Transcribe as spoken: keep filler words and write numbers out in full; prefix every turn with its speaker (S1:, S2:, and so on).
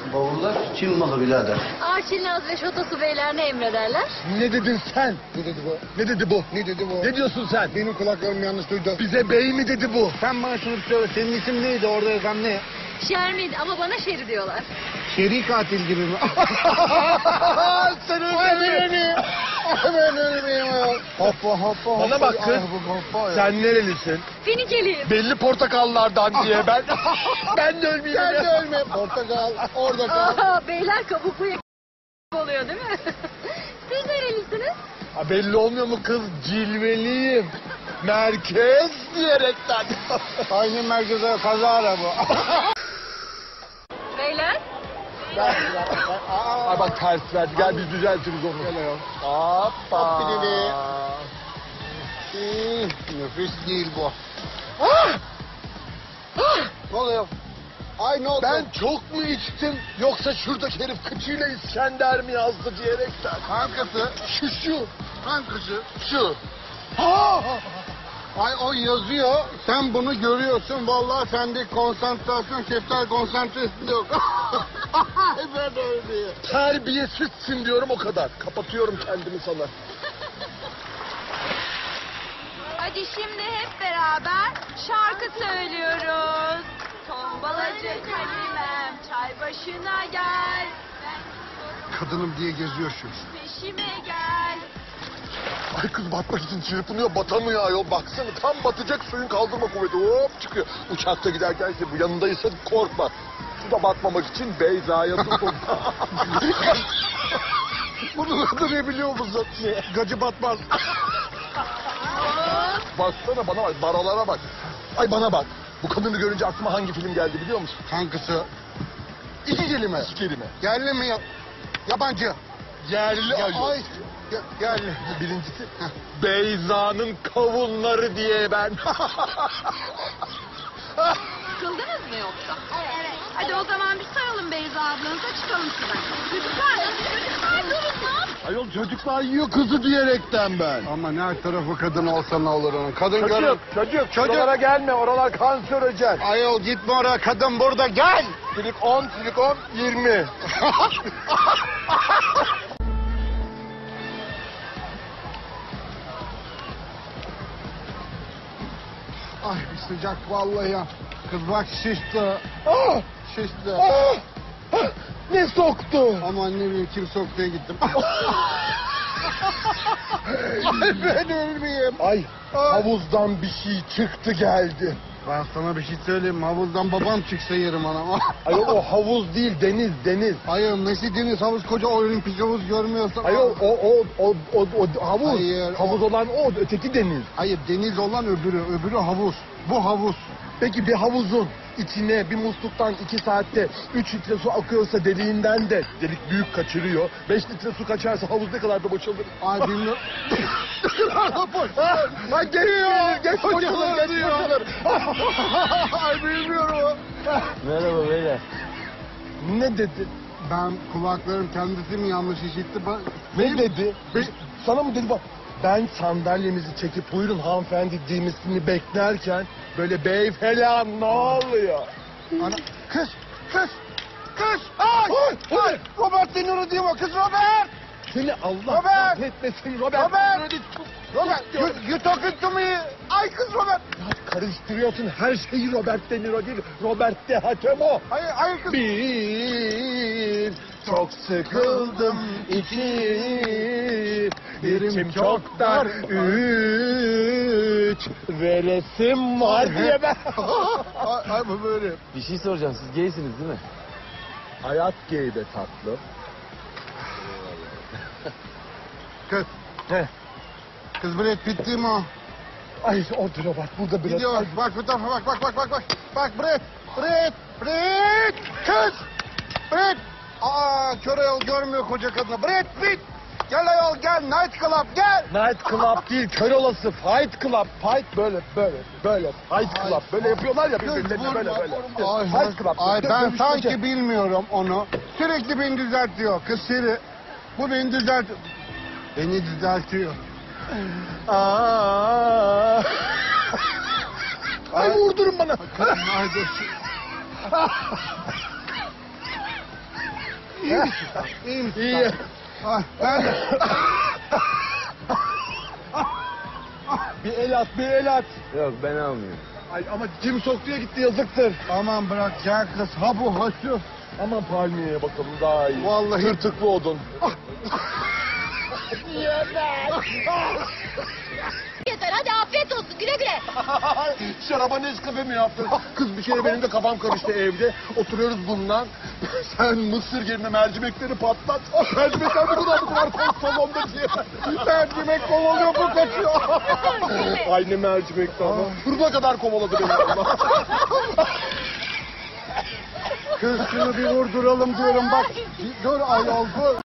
S1: Bavullar Çin malı birader.
S2: Arçilinaz ve Şotosu beyler ne emrederler?
S3: Ne dedin sen?
S4: Ne dedi bu?
S3: Ne dedi bu?
S4: Ne dedi bu?
S3: Ne diyorsun sen?
S4: Benim kulaklarım yanlış duydu.
S3: Bize bey mi dedi bu?
S4: Sen bana şunu söyle. Senin isim neydi? Orada yazan ne?
S2: Şermin ama bana Şeri diyorlar.
S4: Şeri katil gibi mi?
S3: Sen
S4: Ay
S3: öyle mi?
S4: beni. Ay ben ölmeyeyim. Hoppa hoppa.
S3: Bana bak kız.
S4: Ay, bu hoppa ya.
S3: Sen nerelisin?
S2: Finikeliyim.
S3: Belli portakallardan diye ben. Ben de ölmeyeyim.
S4: Sen de ölme. Portakal. Orada kal.
S2: Aa, beyler kabuklu yak- oluyor değil mi? Siz nerelisiniz?
S3: Ha, belli olmuyor mu kız? Cilveliyim. Merkez diyerekten.
S4: Aynı merkeze kaza araba.
S2: Beyler?
S4: Gel, gel, gel. Aa.
S3: Ay bak ters verdi. Gel biz düzeltiriz onu.
S4: Gel ayol.
S3: Hoppa.
S4: Hop bir dedi. Hmm, nefis değil bu. Ne oluyor? Ay ne oldu?
S3: Ben çok mu içtim yoksa şuradaki herif kıçıyla İskender mi yazdı diyerekten.
S4: Kankası.
S3: Şu şu.
S4: Kankası.
S3: Şu.
S4: Ay o yazıyor. Sen bunu görüyorsun. Vallahi sende konsantrasyon, şeftal konsantrasyon yok. Ay ben de öyle.
S3: Terbiyesizsin diyorum o kadar. Kapatıyorum kendimi sana.
S2: Hadi şimdi hep beraber şarkı söylüyoruz. Tombalacı kalemem çay başına gel.
S4: Kadınım diye geziyor şu.
S2: Peşime gel.
S3: Ay kız batmak için çırpınıyor batamıyor ayol. Baksana tam batacak suyun kaldırma kuvveti hop çıkıyor. Uçakta giderken işte bu yanındaysa korkma. Suda batmamak için Beyza'ya tutun. Bunun adı ne biliyor musun? Gacı batmaz. Baksana bana bak barolara bak. Ay bana bak. Bu kadını görünce aklıma hangi film geldi biliyor musun?
S4: Kankası. İki kelime.
S3: İki kelime.
S4: Yerli mi ya? Yabancı.
S3: Yerli
S4: Ya,
S3: ayol.
S4: ay. Ya, yerli.
S3: Birincisi Beyza'nın kavunları diye ben.
S2: Sıkıldınız mı yoksa? Evet. Hadi o zaman bir saralım Beyza ablanıza çıkalım şuradan. Çocuklar nasıl çocuklar durun lan?
S3: Ayol çocuklar yiyor kızı diyerekten ben.
S4: Ama ne her tarafı kadın olsa ne olur onun. Kadın görür.
S3: Çocuk, çocuk, çocuk. Oralara gelme, oralar kanserojen.
S4: Ayol gitme oraya, kadın burada, gel.
S3: Silik on, silik on, yirmi.
S4: Ay bir sıcak vallahi ya. Kız bak şişti.
S3: Ah!
S4: Şişti.
S3: Ah! Ah! Ne soktu?
S4: Aman ne bileyim kim soktuya gittim.
S3: Ay ben ölmeyeyim. Ay havuzdan bir şey çıktı geldi.
S4: Ben sana bir şey söyleyeyim mi? Havuzdan babam çıksa yerim anam.
S3: Ayol o havuz değil deniz deniz.
S4: Hayır nesi deniz havuz koca olimpik havuz görmüyorsan.
S3: Ayol o o o o, o havuz.
S4: Hayır,
S3: havuz
S4: o-
S3: olan o öteki deniz.
S4: Hayır deniz olan öbürü. Öbürü havuz. Bu havuz.
S3: Peki bir havuzun içine bir musluktan iki saatte üç litre su akıyorsa deliğinden de delik büyük kaçırıyor. Beş litre su kaçarsa havuz ne kadar da boşalır?
S4: Ay bilmiyorum.
S3: Ha geliyor. Geç boşalır, geç boşalır.
S4: Ay bilmiyorum.
S1: Merhaba beyler.
S3: Ne dedi?
S4: Ben kulaklarım kendisi mi yanlış işitti? Ben...
S3: Ne dedi? Be- sana mı dedi bak? Ben sandalyemizi çekip buyurun hanımefendi demesini beklerken böyle bey falan ne oluyor?
S4: Ana... Kız! Kız! Kız! Ay!
S3: Ay!
S4: Ay! Robert De Niro diyor kız Robert!
S3: Seni Allah
S4: Robert!
S3: kahretmesin Robert.
S4: Robert! Robert! You, you talking to me? Ay kız Robert!
S3: Ya karıştırıyorsun her şeyi Robert De Niro değil. Robert De Hatemo.
S4: Hayır, hayır kız.
S3: Bir çok sıkıldım. İki içim çok dar. Üç veresim var diye ben.
S4: ay, ay bu böyle.
S1: Bir şey soracağım. Siz gaysiniz değil mi?
S3: Hayat gay be tatlı.
S4: Kız.
S3: Ne?
S4: Kız Brad Pitt değil mi o?
S3: Ay orada Robert burada biraz.
S4: Gidiyor.
S3: Ay,
S4: Bak bu tarafa bak bak bak bak bak. Bak Brad. Brad. Brad. Kız. Brad. Aa kör ayol görmüyor koca kadını. Brad Pitt. Gel ayol gel. Night Club gel.
S3: Night Club değil, kör olası Fight Club. Fight böyle, böyle, böyle. Fight Club. Böyle yapıyorlar ya birbirlerine böyle, böyle.
S4: Ay,
S3: Fight Club.
S4: ay
S3: Dö-
S4: ben
S3: dövüşmece.
S4: sanki bilmiyorum onu. Sürekli beni düzeltiyor. Kız Siri. Bu beni düzeltiyor. Beni düzeltiyor.
S3: Aa. Ay vurdurun bana.
S4: Ay dur. İyi misin? İyi misin?
S3: İyi.
S4: Ah, ben de.
S3: Bir el at, bir el at.
S1: Yok ben almıyorum.
S3: Ay ama kim soktuya gitti yazıktır.
S4: Aman bırak gel kız. Ha bu ha şu.
S3: Aman palmiyeye bakalım daha iyi.
S4: Vallahi.
S3: Tırtıklı odun.
S2: Yeter hadi afiyet olsun güle güle.
S3: Şaraba Nescafe mi yaptın? Kız bir kere benim de kafam karıştı evde. Oturuyoruz bundan. Sen mısır yerine mercimekleri patlat. Mercimekler bu kadar bu kadar koy salonda diye. Mercimek kovalıyor bu kaçıyor. Aynı mercimekti ama. Şurada kadar kovaladı beni.
S4: Kız şunu bir vurduralım diyorum bak. Dur ayol dur.